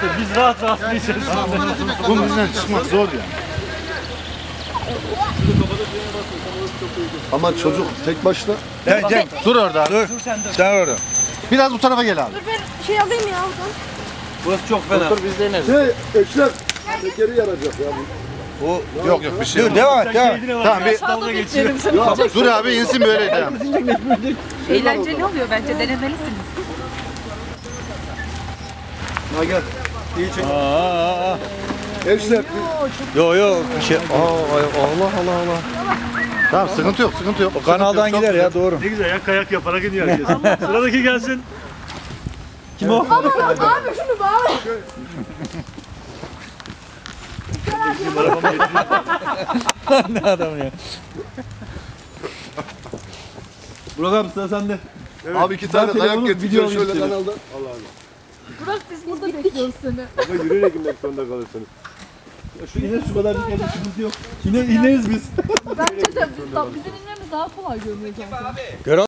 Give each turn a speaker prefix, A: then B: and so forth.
A: işte biz rahat rahat geçeriz.
B: Bunun yüzünden çıkmak zor yani.
C: Ama çocuk tek başına.
B: Cem dur orada. Dur. Sen orada. Biraz bu tarafa gel abi.
D: Dur ben şey alayım ya oradan.
A: Burası çok fena.
B: Biz deneriz.
C: Eşref. Tekeri yarayacak ya bu.
B: O yok bir şey. Dur devam et devam et. Tamam bir
A: Dalga geçiyor.
B: dur abi insin böyle devam.
D: Eğlenceli oluyor bence denemelisiniz.
C: Ha gel. İyi çek. Eşref.
B: Yok bir şey. Allah. Tamam sıkıntı yok sıkıntı yok. O kanaldan gider ya doğru.
A: Ne güzel ya kayak yaparak gidiyor herkes. Sıradaki gelsin. Kim o?
D: Abi şunu bağla.
B: Ne adam ya.
A: Burak abi sıra sende.
C: Abi 2 tane dayak getiriyor şöyle kanalda.
D: Burak biz burada bekliyoruz seni.
C: Ama yürüyerek inmek zorunda kalırsınız.
A: Şu iner şu kadar bir sıkıntı yok. İneriz biz.
D: Bence de bizim inmemiz daha kolay görünüyor zaten.